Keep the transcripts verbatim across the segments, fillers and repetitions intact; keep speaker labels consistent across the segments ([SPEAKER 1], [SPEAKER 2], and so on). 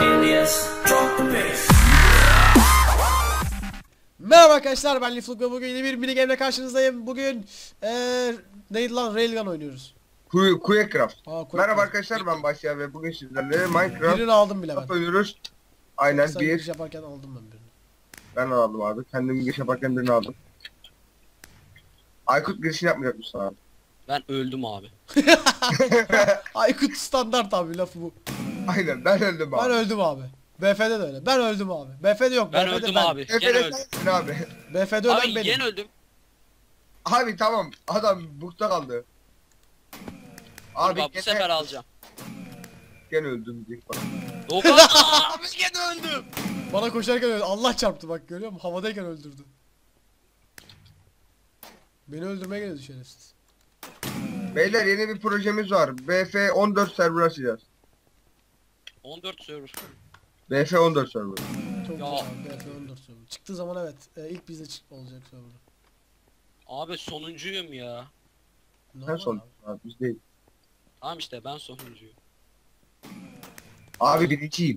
[SPEAKER 1] Merhaba arkadaşlar, ben Lifluk ve bugün yeni bir mini game'le karşınızdayım. Bugün ee, neydi lan, Railgun oynuyoruz.
[SPEAKER 2] Quakecraft.
[SPEAKER 1] Aa,
[SPEAKER 2] Merhaba arkadaşlar, ben Başya ve bugün sizlerle Minecraft
[SPEAKER 1] birini aldım bile ben.
[SPEAKER 2] oynuyoruz. Aynen
[SPEAKER 1] Sen
[SPEAKER 2] bir.
[SPEAKER 1] giriş yaparken aldım ben birini.
[SPEAKER 2] Ben aldım abi. Kendim giriş yaparken birini aldım. Aykut girişini yapmayacak mısın abi?
[SPEAKER 3] Ben öldüm abi.
[SPEAKER 1] Aykut standart abi lafı bu.
[SPEAKER 2] Aynen, ben öldüm abi.
[SPEAKER 1] Ben öldüm abi. B F'de de öyle. Ben öldüm abi. B F'de yok.
[SPEAKER 3] Ben
[SPEAKER 1] B F'de
[SPEAKER 3] öldüm
[SPEAKER 1] ben.
[SPEAKER 3] abi. Gene
[SPEAKER 2] Efendim
[SPEAKER 3] öldüm.
[SPEAKER 2] sensin abi.
[SPEAKER 1] B F'de ölen
[SPEAKER 3] Abi
[SPEAKER 1] benim.
[SPEAKER 3] gene öldüm.
[SPEAKER 2] Abi tamam, adam bukta kaldı.
[SPEAKER 3] Abi
[SPEAKER 2] Abi
[SPEAKER 3] bak, bu
[SPEAKER 2] gene,
[SPEAKER 3] sefer alacağım.
[SPEAKER 2] gene öldüm diye bak.
[SPEAKER 3] Doğukan abi gene öldüm.
[SPEAKER 1] Bana koşarken öldü. Allah çarptı bak, görüyor musun? Havadayken öldürdü. Beni öldürmeye geliyordu şerefsiz.
[SPEAKER 2] Beyler, yeni bir projemiz var. B F on dört server açacağız.
[SPEAKER 3] on dört server.
[SPEAKER 2] B F on dört server.
[SPEAKER 1] Çok
[SPEAKER 3] Ya.
[SPEAKER 1] güzel abi. B F on dört server. Çıktığı zaman evet. E, ilk bizde çık olacak server.
[SPEAKER 3] Abi sonuncuyum ya.
[SPEAKER 2] Sen
[SPEAKER 1] Normal
[SPEAKER 2] son.
[SPEAKER 1] abi.
[SPEAKER 2] Abi biz değil.
[SPEAKER 3] Tamam işte ben sonuncuyum.
[SPEAKER 2] Abi birinciyim.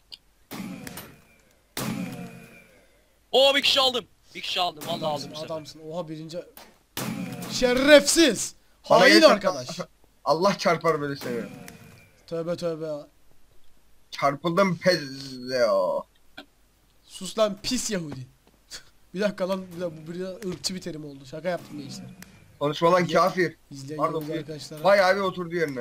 [SPEAKER 3] Oo, bir kişi aldım. Bir kişi aldım. Vallahi aldım
[SPEAKER 1] Adamsın,
[SPEAKER 3] bu sefer.
[SPEAKER 1] adamsın. Oha, birinci. Şerefsiz.
[SPEAKER 2] Bana
[SPEAKER 1] Hain
[SPEAKER 2] yeter-
[SPEAKER 1] arkadaş.
[SPEAKER 2] Allah çarpar böyle seni.
[SPEAKER 1] Tövbe tövbe.
[SPEAKER 2] Çarpıldım pezzeo.
[SPEAKER 1] Sus lan pis Yahudi. Bir dakika lan, bir dakika, bu bir ırkçı bir terim oldu. Şaka yaptım gençler.
[SPEAKER 2] Konuşma lan kafir.
[SPEAKER 1] İzleyen
[SPEAKER 2] Pardon,
[SPEAKER 1] Yahudi
[SPEAKER 2] bir-
[SPEAKER 1] arkadaşlara.
[SPEAKER 2] Vay abi oturdu yerine.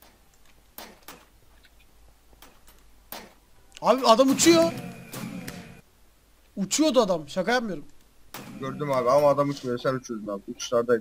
[SPEAKER 1] Abi adam uçuyor. Uçuyordu adam. Şaka yapmıyorum.
[SPEAKER 2] Gördüm abi ama adam uçmuyor, sen uçuyordun abi. Uçuşlardaydı.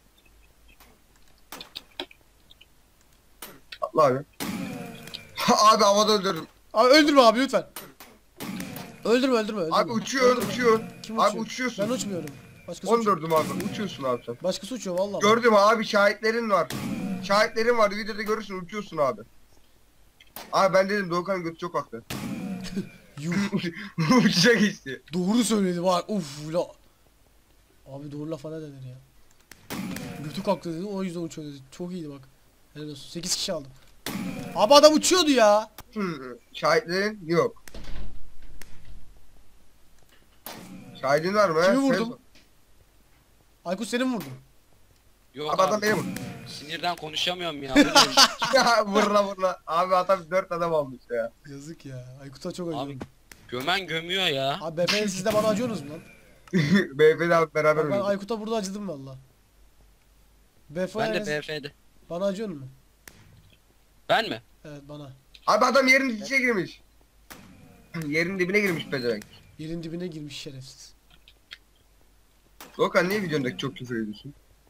[SPEAKER 2] Atla abi. abi havada öldürdüm.
[SPEAKER 1] Abi öldürme abi lütfen. Öldürme öldürme öldürme.
[SPEAKER 2] Abi uçuyor
[SPEAKER 1] Öldürme.
[SPEAKER 2] uçuyor.
[SPEAKER 1] Kim
[SPEAKER 2] Abi
[SPEAKER 1] uçuyor?
[SPEAKER 2] uçuyorsun.
[SPEAKER 1] Ben uçmuyorum. Başkası uçuyor.
[SPEAKER 2] On dördüm abi, uçuyorsun abi sen.
[SPEAKER 1] Başkası uçuyor vallahi.
[SPEAKER 2] Gördüm abi, şahitlerin var. Şahitlerin var, videoda görürsün, uçuyorsun abi. Abi ben dedim Doğukan'ın götü çok haklı.
[SPEAKER 1] Yuh.
[SPEAKER 2] Uçacak işte.
[SPEAKER 1] Doğru söyledi var. Uf la. Abi doğru lafa ne denir ya? Götü kalktı dedi, o yüzden uçuyor dedi. Çok iyiydi bak. Helal olsun. sekiz kişi aldım. Abi adam uçuyordu ya.
[SPEAKER 2] Hı, şahitlerin yok. Şahidin var mı?
[SPEAKER 1] Kimi
[SPEAKER 2] he?
[SPEAKER 1] vurdum? Aykut seni mi vurdum?
[SPEAKER 3] Yok
[SPEAKER 2] Abi
[SPEAKER 3] abi.
[SPEAKER 2] adam beni vurdu.
[SPEAKER 3] Sinirden konuşamıyorum ya. Bu ne?
[SPEAKER 2] Ya vurla vurla. Abi adam dört adam almış ya.
[SPEAKER 1] Yazık ya. Aykut'a çok acıyorum.
[SPEAKER 3] Abi gömen gömüyor ya.
[SPEAKER 1] Abi B F'de siz de bana acıyorsunuz mu lan?
[SPEAKER 2] Beyefendi abi beraber
[SPEAKER 1] Bak ben
[SPEAKER 2] oynadık.
[SPEAKER 1] Aykut'a burada acıdım valla. B F
[SPEAKER 3] Ben de
[SPEAKER 1] D'de
[SPEAKER 3] B F'de.
[SPEAKER 1] bana acıyorsun mu?
[SPEAKER 3] Ben mi?
[SPEAKER 1] Evet bana.
[SPEAKER 2] Abi adam yerin içine girmiş. Yerin dibine girmiş pezevenk.
[SPEAKER 1] Yerin dibine girmiş şerefsiz.
[SPEAKER 2] Doğukan niye videondaki çok küfür ediyorsun?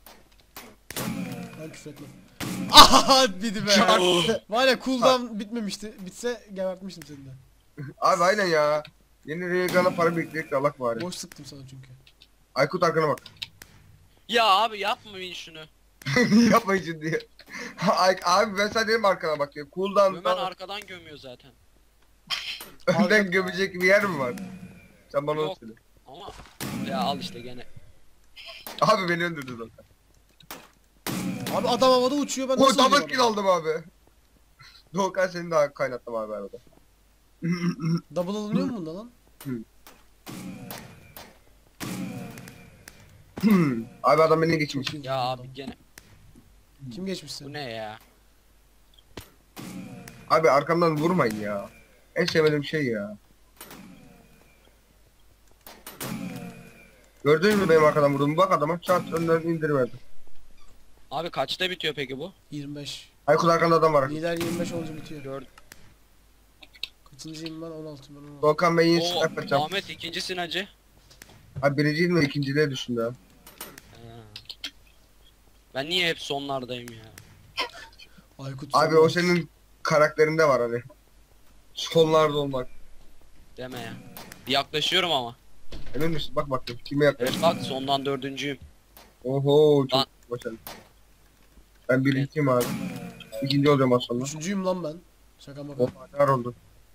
[SPEAKER 1] Ben küfür etmem. Aha bidi be.
[SPEAKER 2] Çarptı.
[SPEAKER 1] Var ya cooldown bitmemişti. Bitse gebertmiştim seni de.
[SPEAKER 2] Abi aynen ya. Yeni Reagan'a para biriktirdik de Allah bari.
[SPEAKER 1] Boş sıktım sana çünkü.
[SPEAKER 2] Aykut arkana bak.
[SPEAKER 3] Ya abi yapmayın şunu.
[SPEAKER 2] Yapmayın şimdi. Ay, abi ben sana dedim arkana bak diye.
[SPEAKER 3] Gömen
[SPEAKER 2] Cooldown'dan
[SPEAKER 3] arkadan gömüyor zaten.
[SPEAKER 2] önden gömecek bir yer mi var? Sen bana onu
[SPEAKER 3] Yok.
[SPEAKER 2] söyle.
[SPEAKER 3] Ama ya al işte gene.
[SPEAKER 2] Abi beni öldürdü zaten.
[SPEAKER 1] Abi adam havada uçuyor, ben
[SPEAKER 2] O
[SPEAKER 1] nasıl
[SPEAKER 2] double
[SPEAKER 1] öldüreyim
[SPEAKER 2] kill
[SPEAKER 1] adamı?
[SPEAKER 2] aldım abi. Doğukan seni daha kaynattım abi arada.
[SPEAKER 1] Double alınıyor mu bunda lan?
[SPEAKER 2] Abi adam beni geçmiş.
[SPEAKER 1] Çok iyi
[SPEAKER 3] Ya
[SPEAKER 1] vurdum
[SPEAKER 3] abi
[SPEAKER 1] adamı.
[SPEAKER 3] gene.
[SPEAKER 1] Kim geçmiş seni?
[SPEAKER 3] Bu ne ya?
[SPEAKER 2] Abi arkamdan vurmayın ya. En sevmediğim şey ya. Gördün mü benim arkadan vurduğumu? Bak adama çat önden indiriverdim.
[SPEAKER 3] Abi kaçta bitiyor peki bu?
[SPEAKER 1] yirmi beş.
[SPEAKER 2] Aykut arkanda adam var.
[SPEAKER 1] Lider yirmi beş olunca bitiyor.
[SPEAKER 3] Gördüm.
[SPEAKER 1] Kaçıncıyım ben? on altı ben on altı.
[SPEAKER 2] Doğukan ben yeni
[SPEAKER 3] Oo,
[SPEAKER 2] silah yapacağım.
[SPEAKER 3] Ahmet ikincisin hacı.
[SPEAKER 2] Abi birinciyim mi ikinciliğe düştüm ya.
[SPEAKER 3] Ha. Ben niye hep sonlardayım ya?
[SPEAKER 1] Aykut
[SPEAKER 2] Abi
[SPEAKER 1] sonra-
[SPEAKER 2] o senin karakterinde var hani. Sonlarda olmak.
[SPEAKER 3] Deme ya. Yaklaşıyorum ama.
[SPEAKER 2] Emin misin? Bak bakayım kime yaklaş.
[SPEAKER 3] Evet bak, sondan dördüncüyüm.
[SPEAKER 2] Oho çok
[SPEAKER 3] Lan.
[SPEAKER 2] başarılı. Ben birinciyim abi. İkinci olacağım az sonra.
[SPEAKER 1] Üçüncüyüm lan ben. Şaka maka.
[SPEAKER 2] O kadar oldu.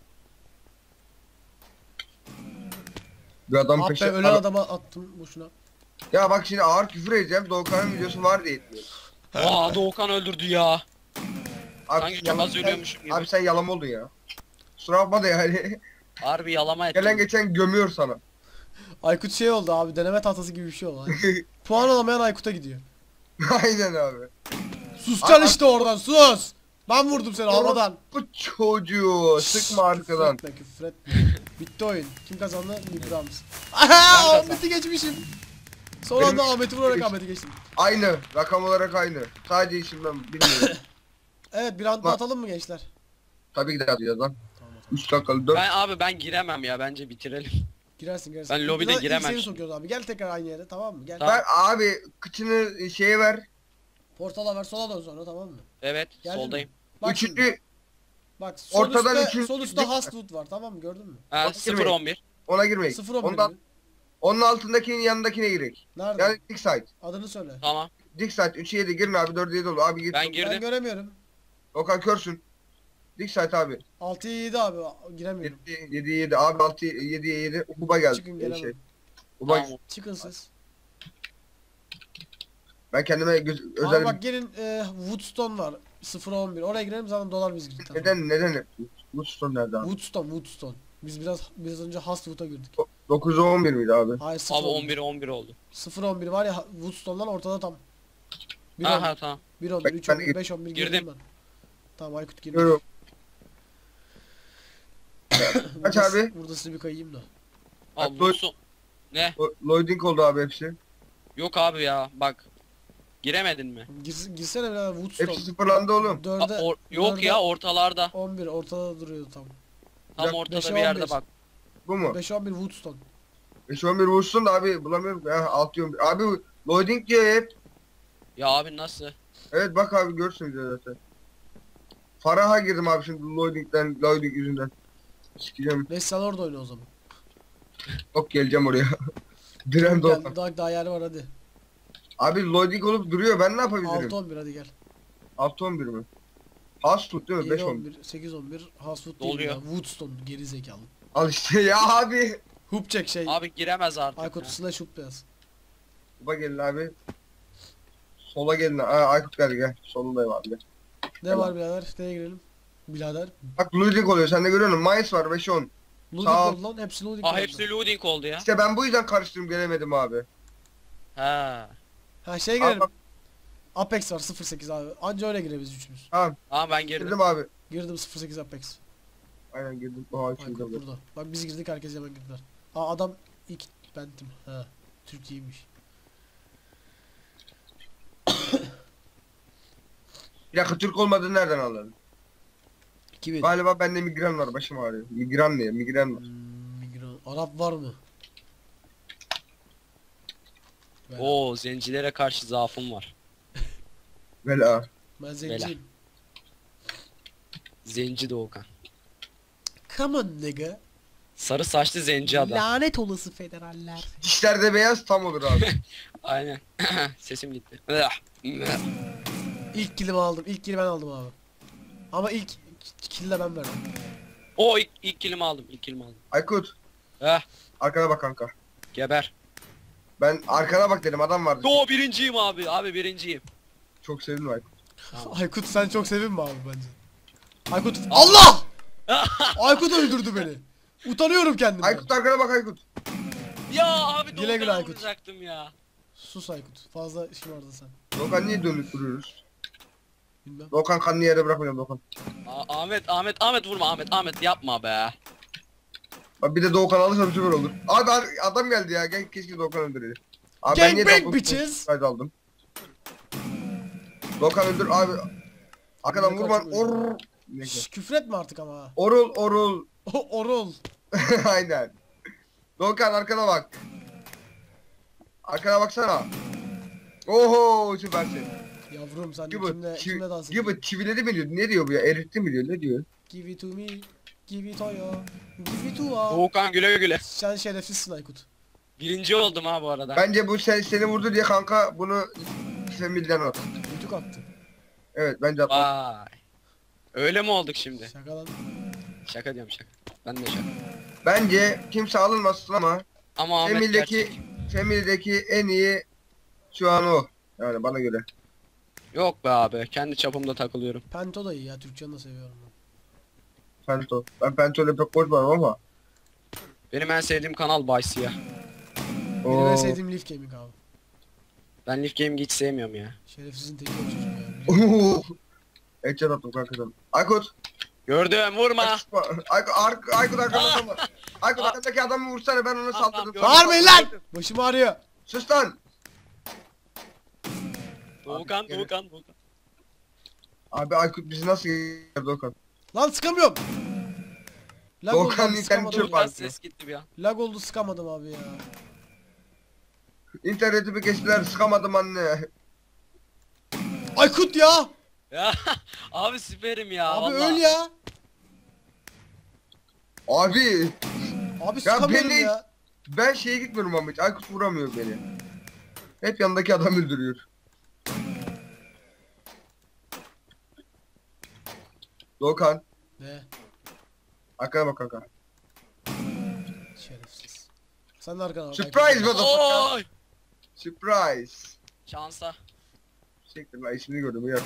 [SPEAKER 2] Bir adam
[SPEAKER 1] Ah be,
[SPEAKER 2] peşe...
[SPEAKER 1] ölen
[SPEAKER 2] Abi-
[SPEAKER 1] adama attım boşuna.
[SPEAKER 2] Ya bak şimdi ağır küfür edeceğim. Doğukan'ın videosu var diye etmiyor.
[SPEAKER 3] Aa, Doğukan öldürdü ya.
[SPEAKER 2] Abi,
[SPEAKER 3] Sanki çok
[SPEAKER 2] yalan-
[SPEAKER 3] az ölüyormuşum gibi.
[SPEAKER 2] Abi sen yalan oldun ya. Kusura bakma da yani.
[SPEAKER 3] Harbi yalama ettim.
[SPEAKER 2] Gelen geçen gömüyor sana.
[SPEAKER 1] Aykut şey oldu abi, deneme tahtası gibi bir şey oldu. Hani puan alamayan Aykut'a gidiyor.
[SPEAKER 2] Aynen abi.
[SPEAKER 1] Susacaksın
[SPEAKER 2] Abi-
[SPEAKER 1] işte oradan, sus. Ben vurdum seni havadan.
[SPEAKER 2] Bu çocuğu sıkma arkadan.
[SPEAKER 1] Küfretme küfretme. Bitti oyun. Kim kazandı? Librams. Aha,
[SPEAKER 3] kazandım.
[SPEAKER 1] Ahmet'i geçmişim. Son anda
[SPEAKER 2] Benim-
[SPEAKER 1] Ahmet'i vurarak Ahmet'i geçtim.
[SPEAKER 2] Aynı. Rakam olarak aynı. Sadece işimden bilmiyorum.
[SPEAKER 1] Evet, bir anda
[SPEAKER 2] Bak.
[SPEAKER 1] atalım mı gençler?
[SPEAKER 2] Tabii ki de atacağız lan.
[SPEAKER 1] Tamam atalım.
[SPEAKER 2] üç dakikalı dört.
[SPEAKER 3] Ben abi ben giremem ya, bence bitirelim.
[SPEAKER 1] Girersin girersin.
[SPEAKER 3] Ben lobide
[SPEAKER 1] Biraz ilk
[SPEAKER 3] giremem
[SPEAKER 1] Seni
[SPEAKER 3] şimdi.
[SPEAKER 1] sokuyoruz abi. Gel tekrar aynı yere, tamam mı? Gel.
[SPEAKER 3] Tamam.
[SPEAKER 2] Ben abi kıçını şeye ver.
[SPEAKER 1] Portala ver, sola dön sonra, tamam mı?
[SPEAKER 3] Evet,
[SPEAKER 1] Geldin mi?
[SPEAKER 3] soldayım.
[SPEAKER 1] Bak şimdi.
[SPEAKER 2] Üçüncü
[SPEAKER 1] Bak sol
[SPEAKER 2] Ortadan
[SPEAKER 1] üstte,
[SPEAKER 2] üçüncü-
[SPEAKER 1] sol üstte Hastwood var, tamam mı? Gördün mü?
[SPEAKER 3] Ha,
[SPEAKER 2] Bak,
[SPEAKER 3] sıfır
[SPEAKER 2] girmeyin.
[SPEAKER 3] on bir.
[SPEAKER 2] ona girmeyin.
[SPEAKER 1] sıfır on bir
[SPEAKER 2] Ondan,
[SPEAKER 1] mi?
[SPEAKER 2] onun altındakinin yanındakine girek.
[SPEAKER 1] Nerede?
[SPEAKER 2] Yani dik side.
[SPEAKER 1] Adını söyle.
[SPEAKER 3] Tamam.
[SPEAKER 2] Dik side üçe yedi girin abi dörde yedi olur. Abi gir.
[SPEAKER 3] Ben
[SPEAKER 1] Ben
[SPEAKER 3] girdim.
[SPEAKER 1] göremiyorum.
[SPEAKER 2] Okan körsün. Dik side abi.
[SPEAKER 1] altıya yedi abi, giremiyorum.
[SPEAKER 2] yedi yedi abi altı yediye yedi. Kuba geldi.
[SPEAKER 1] Çıkın
[SPEAKER 2] Ee,
[SPEAKER 1] gelemem.
[SPEAKER 2] Şey. Kuba,
[SPEAKER 3] Tamam.
[SPEAKER 1] Çıkın siz.
[SPEAKER 2] ben kendime göz,
[SPEAKER 1] Abi
[SPEAKER 2] özel
[SPEAKER 1] bak gelin, e, Woodstone var. sıfıra on bir. Oraya girelim, zaten dolar biz girdik. Tamam.
[SPEAKER 2] neden neden yapıyorsun? Bu son nerede abi?
[SPEAKER 1] Woodstone, Woodstone. Biz biraz biraz önce Hastwood'a girdik.
[SPEAKER 2] dokuza on bir miydi abi?
[SPEAKER 1] Hayır, sıfır
[SPEAKER 3] Abi
[SPEAKER 1] on
[SPEAKER 3] on
[SPEAKER 1] bir.
[SPEAKER 3] bir on bir oldu.
[SPEAKER 1] sıfır on bir var ya, Woodstone'dan ortada tam. bir on
[SPEAKER 3] Aha
[SPEAKER 1] bir,
[SPEAKER 3] tamam.
[SPEAKER 1] bir on bir,
[SPEAKER 2] Bak,
[SPEAKER 1] üç on
[SPEAKER 2] ben
[SPEAKER 1] bir, beş on bir girdim
[SPEAKER 3] girdim.
[SPEAKER 1] ben. Tamam, Aykut girdi.
[SPEAKER 2] Görüyorum. Kaç
[SPEAKER 1] Burada-
[SPEAKER 2] abi?
[SPEAKER 1] Burada size bir kayayım da.
[SPEAKER 3] Abi
[SPEAKER 2] Bak,
[SPEAKER 3] bu son... Ne?
[SPEAKER 2] Lo- Loading oldu abi hepsi.
[SPEAKER 3] Yok abi ya, bak. Giremedin mi?
[SPEAKER 1] Gir, girsene birader Woodstone.
[SPEAKER 2] Hepsi sıfırlandı oğlum.
[SPEAKER 1] dörde,
[SPEAKER 3] Aa, or- yok
[SPEAKER 1] dörde
[SPEAKER 3] ya, ortalarda.
[SPEAKER 1] on bir ortada duruyor tam.
[SPEAKER 3] Tam
[SPEAKER 2] Bak,
[SPEAKER 3] ortada
[SPEAKER 1] beşe
[SPEAKER 3] bir yerde
[SPEAKER 1] on bir.
[SPEAKER 3] bak.
[SPEAKER 2] Bu mu?
[SPEAKER 1] beş on bir Woodstone.
[SPEAKER 2] beş on bir vursun da abi bulamıyorum. Ha, altı on bir. Abi loading diyor hep.
[SPEAKER 3] Ya abi nasıl?
[SPEAKER 2] Evet bak abi görürsün diyor zaten. Farah'a girdim abi şimdi loading'den, loading yüzünden. Sikeceğim.
[SPEAKER 1] Neyse sen orada oyna o zaman.
[SPEAKER 2] Yok geleceğim oraya. Diren
[SPEAKER 1] Gel,
[SPEAKER 2] Doğan.
[SPEAKER 1] daha, daha yer var hadi.
[SPEAKER 2] Abi loading olup duruyor ben ne yapabilirim?
[SPEAKER 1] altı on bir hadi gel.
[SPEAKER 2] altı on bir mi? Az tut değil mi? beş
[SPEAKER 1] yedi
[SPEAKER 2] on
[SPEAKER 1] on
[SPEAKER 2] bir.
[SPEAKER 1] bir, sekiz on bir, Hastwood değil
[SPEAKER 3] Doluyor.
[SPEAKER 1] ya. Woodstone geri zekalı.
[SPEAKER 2] Al işte ya abi.
[SPEAKER 1] Hoop çek şey.
[SPEAKER 3] Abi giremez artık.
[SPEAKER 1] Aykut
[SPEAKER 3] ya.
[SPEAKER 1] slash hoop beyaz.
[SPEAKER 2] Kuba gelin abi. Sola gelin. Aa, Aykut geldi gel. Solundayım abi. Gel.
[SPEAKER 1] Ne var birader? Neye girelim? Birader.
[SPEAKER 2] Bak loading oluyor sen de görüyor musun? Mayıs var beş on.
[SPEAKER 1] Loading
[SPEAKER 2] Sağ ol.
[SPEAKER 1] oldu lan. Hepsi loading
[SPEAKER 3] Aa
[SPEAKER 1] oldu.
[SPEAKER 3] hepsi loading oldu ya.
[SPEAKER 2] İşte ben bu yüzden karıştırdım gelemedim abi.
[SPEAKER 3] Ha.
[SPEAKER 1] Ha şey
[SPEAKER 2] Abi
[SPEAKER 1] girelim.
[SPEAKER 2] bak,
[SPEAKER 1] Apex var sıfır sekiz abi. Anca öyle girebiliriz üçümüz.
[SPEAKER 2] tamam
[SPEAKER 3] Aa ben girdim.
[SPEAKER 2] girdim abi.
[SPEAKER 1] Girdim sıfır sekiz Apex.
[SPEAKER 2] Aynen girdim. Aa,
[SPEAKER 1] Aykut
[SPEAKER 2] şurada.
[SPEAKER 1] burada. Bak biz girdik, herkes hemen girdiler. Aa adam ilk bendim. Ha. Türkiye'ymiş.
[SPEAKER 2] Bir dakika Türk olmadığını nereden anladın?
[SPEAKER 1] iki bin.
[SPEAKER 2] Galiba bende migren var başım ağrıyor. Migren ne? Migren var.
[SPEAKER 1] Hmm, migran. Arap var mı? Ben,
[SPEAKER 3] Oo, zencilere karşı zaafım var.
[SPEAKER 2] Bela.
[SPEAKER 1] ben zenciyim.
[SPEAKER 3] Zenci Doğukan.
[SPEAKER 1] Come on nigga.
[SPEAKER 3] Sarı saçlı zenci adam.
[SPEAKER 1] Lanet olası federaller.
[SPEAKER 2] Dişler de beyaz tam olur abi.
[SPEAKER 3] Aynen. Sesim gitti.
[SPEAKER 1] İlk killimi aldım. İlk killi ben aldım abi. Ama ilk kill de ben verdim.
[SPEAKER 3] O ilk, ilk kilimi aldım. İlk kilimi aldım.
[SPEAKER 2] Aykut.
[SPEAKER 3] Heh,
[SPEAKER 2] Arkana bak kanka.
[SPEAKER 3] geber.
[SPEAKER 2] Ben arkana bak dedim adam vardı.
[SPEAKER 3] Yo birinciyim abi. Abi birinciyim.
[SPEAKER 2] Çok sevindim Aykut.
[SPEAKER 3] Tamam.
[SPEAKER 1] Aykut sen çok sevinme abi bence. Aykut Allah! Aykut öldürdü beni. Utanıyorum kendimden.
[SPEAKER 2] Aykut arkana bak Aykut.
[SPEAKER 3] Ya abi
[SPEAKER 1] Güle güle
[SPEAKER 3] Doğukan'ı
[SPEAKER 1] Aykut.
[SPEAKER 3] vuracaktım ya.
[SPEAKER 1] Sus Aykut. Fazla işim vardı sen.
[SPEAKER 2] Doğukan niye dönüp duruyoruz?
[SPEAKER 1] Bilmem.
[SPEAKER 2] Doğukan kanını yere bırakmayacağım Doğukan.
[SPEAKER 3] A- Ahmet Ahmet Ahmet vurma Ahmet Ahmet yapma be.
[SPEAKER 2] Bak bir de Doğukan alırsa bir süper olur. Abi abi, adam geldi ya. Gel keşke Doğukan öldüreydi. Abi ben niye
[SPEAKER 1] Gangbang
[SPEAKER 2] double
[SPEAKER 1] bitches.
[SPEAKER 2] kaydı aldım. Doğukan öldür abi. Arkadan
[SPEAKER 1] Doğukan
[SPEAKER 2] vurma.
[SPEAKER 1] çok
[SPEAKER 2] Or. Neyse.
[SPEAKER 1] Şş, küfretme artık ama ha.
[SPEAKER 2] Orul orul.
[SPEAKER 1] O orul.
[SPEAKER 2] Aynen. Doğukan arkana bak. Arkana baksana. Oho süpersin.
[SPEAKER 1] Yavrum sen
[SPEAKER 2] Gibi,
[SPEAKER 1] kimle, kimle dans
[SPEAKER 2] çivi,
[SPEAKER 1] ediyorsun?
[SPEAKER 2] gibi çiviledi mi diyor? Ne diyor bu ya? Eritti mi diyor? Ne diyor?
[SPEAKER 1] Give it to me. Give it to you. Give it to us.
[SPEAKER 3] Doğukan güle güle.
[SPEAKER 1] Sen şerefsizsin Aykut.
[SPEAKER 3] Birinci oldum ha bu arada.
[SPEAKER 2] Bence bu sen, seni vurdu diye kanka bunu Femil'den at.
[SPEAKER 1] Kötü attı.
[SPEAKER 2] Evet bence at.
[SPEAKER 3] Vay. Öyle mi olduk şimdi?
[SPEAKER 1] Şaka lan.
[SPEAKER 3] Şaka diyorum şaka. Ben de şaka.
[SPEAKER 2] Bence kimse alınmasın ama
[SPEAKER 3] Ama Ahmet
[SPEAKER 2] Femil'deki
[SPEAKER 3] gerçek.
[SPEAKER 2] Femil'deki en iyi şu an o. Yani bana göre.
[SPEAKER 3] Yok be abi. Kendi çapımda takılıyorum.
[SPEAKER 1] Pento da iyi ya. Türkçe'ni de seviyorum ben.
[SPEAKER 2] Pento. Ben Pento ile pek koşmadım ama.
[SPEAKER 3] Benim en sevdiğim kanal Bay Siyah.
[SPEAKER 1] Benim en
[SPEAKER 2] Oo.
[SPEAKER 1] sevdiğim Leaf Gaming abi.
[SPEAKER 3] Ben Leaf Gaming'i hiç sevmiyorum ya.
[SPEAKER 1] Şerefsizin teki o çocuk ya.
[SPEAKER 2] Oo. Headshot attım kankadan. Aykut.
[SPEAKER 3] Gördüm vurma.
[SPEAKER 2] Aykut, Aykut, Aykut arkamda var. Aykut arkadaki adamı vursana, ben ona saldırdım.
[SPEAKER 3] Tamam,
[SPEAKER 1] Bağırmayın lan! Başım ağrıyor.
[SPEAKER 2] Sus lan.
[SPEAKER 3] Doğukan
[SPEAKER 2] Abi,
[SPEAKER 3] Doğukan Doğukan.
[SPEAKER 2] Abi Aykut bizi nasıl yedirdi Doğukan?
[SPEAKER 1] Lan sıkamıyorum. Lag
[SPEAKER 2] Doğukan
[SPEAKER 1] oldu abi,
[SPEAKER 2] internet
[SPEAKER 1] sıkamadım.
[SPEAKER 2] çöp.
[SPEAKER 3] Doğukan ses gitti bir an.
[SPEAKER 1] Lag oldu sıkamadım abi ya.
[SPEAKER 2] İnternetimi kestiler, sıkamadım anne.
[SPEAKER 1] Aykut ya!
[SPEAKER 3] Ya abi süperim ya.
[SPEAKER 1] Abi
[SPEAKER 3] vallahi.
[SPEAKER 1] öl ya.
[SPEAKER 2] Abi
[SPEAKER 1] Abi sıkamıyorum
[SPEAKER 2] beni-
[SPEAKER 1] ya.
[SPEAKER 2] ben şeye gitmiyorum ama hiç. Aykut vuramıyor beni. Hep yanındaki adam öldürüyor. Doğukan.
[SPEAKER 1] Ne?
[SPEAKER 2] Arkana bak kanka.
[SPEAKER 1] Şerefsiz. Sen de arkana bak.
[SPEAKER 2] Surprise
[SPEAKER 1] Aykut.
[SPEAKER 2] motherfucker.
[SPEAKER 3] Oy!
[SPEAKER 2] Surprise.
[SPEAKER 3] Şansa.
[SPEAKER 2] Çektir lan, ismini gördüm ya.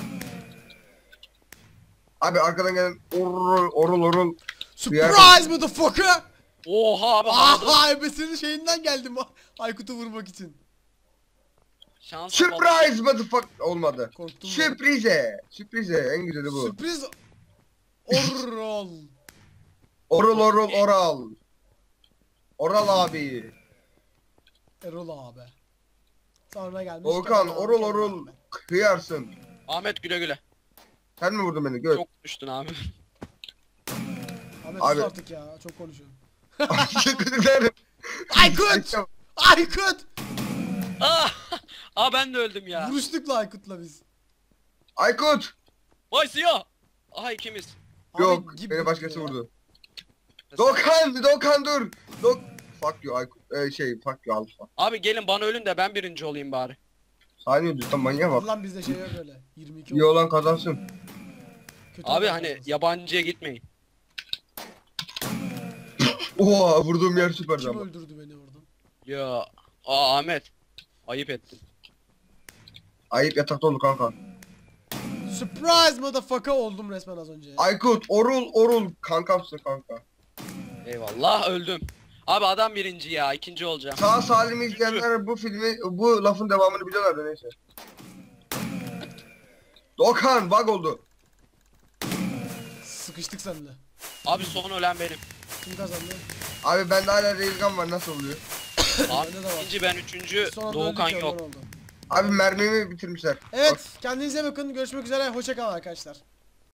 [SPEAKER 2] Abi arkadan gelen orul orul orul.
[SPEAKER 1] Surprise motherfucker!
[SPEAKER 3] Oha abi havada
[SPEAKER 1] Aha ebesinin şeyinden geldim Aykut'u vurmak için.
[SPEAKER 3] şansa bak.
[SPEAKER 2] Surprise motherfucker olmadı.
[SPEAKER 1] Korktum. ben.
[SPEAKER 2] Sürprize. Sürprize en güzeli bu.
[SPEAKER 1] Sürpriz oral.
[SPEAKER 2] Orul orul oral. Oral abi.
[SPEAKER 1] Erol abi. Sonra gelmiş.
[SPEAKER 2] Doğukan
[SPEAKER 1] Kemal abi,
[SPEAKER 2] orul
[SPEAKER 1] Kemal
[SPEAKER 2] orul
[SPEAKER 1] abi.
[SPEAKER 2] kıyarsın.
[SPEAKER 3] Ahmet güle güle.
[SPEAKER 2] Sen mi vurdun beni? Gör.
[SPEAKER 3] Çok düştün abi.
[SPEAKER 1] Ahmet
[SPEAKER 2] Abi.
[SPEAKER 1] sus artık ya çok konuşuyorsun.
[SPEAKER 2] Teşekkür
[SPEAKER 1] Aykut! Aykut!
[SPEAKER 3] Ah! Aa ben de öldüm ya.
[SPEAKER 1] Vuruştuk la Aykut'la biz.
[SPEAKER 2] Aykut.
[SPEAKER 3] Bay Siyah. Aha ikimiz.
[SPEAKER 1] Abi
[SPEAKER 2] Yok
[SPEAKER 1] gibi
[SPEAKER 2] beni başkası
[SPEAKER 1] ya.
[SPEAKER 2] vurdu. Doğukan, Doğukan dur. Dok fuck you Aykut. Ee, şey fuck you Alfa.
[SPEAKER 3] Abi gelin bana ölün de ben birinci olayım bari.
[SPEAKER 2] Saniye düz tam manyağa bak.
[SPEAKER 1] Lan bizde şey yok öyle. yirmi iki
[SPEAKER 2] İyi
[SPEAKER 1] oldu.
[SPEAKER 2] olan kazansın.
[SPEAKER 1] Kötü
[SPEAKER 3] Abi
[SPEAKER 1] olan
[SPEAKER 3] hani
[SPEAKER 1] kazansın.
[SPEAKER 3] yabancıya gitmeyin.
[SPEAKER 2] Oha vurduğum yer süperdi
[SPEAKER 1] Kim
[SPEAKER 2] ama.
[SPEAKER 1] öldürdü beni oradan?
[SPEAKER 3] Ya. Aa Ahmet. Ayıp ettin.
[SPEAKER 2] Ayıp yatakta oldu kanka.
[SPEAKER 1] Surprise motherfucker oldum resmen az önce.
[SPEAKER 2] Aykut orul orul kankamsın kanka.
[SPEAKER 3] Eyvallah öldüm. Abi adam birinci ya. ikinci olacağım.
[SPEAKER 2] Sağ salim izleyenler bu filmi bu lafın devamını biliyorlar da neyse. Doğukan bug oldu.
[SPEAKER 1] Sıkıştık seninle.
[SPEAKER 3] Abi son ölen benim.
[SPEAKER 1] Kim kazandı?
[SPEAKER 2] Abi bende hala railgun var, nasıl oluyor?
[SPEAKER 3] Abi
[SPEAKER 1] Bende de var.
[SPEAKER 3] ikinci ben üçüncü.
[SPEAKER 1] Son anda
[SPEAKER 3] Doğukan
[SPEAKER 1] öldük,
[SPEAKER 3] yok.
[SPEAKER 1] ondan oldu.
[SPEAKER 2] Abi mermimi bitirmişler.
[SPEAKER 1] Evet kendinize bakın görüşmek üzere hoşça kalın arkadaşlar.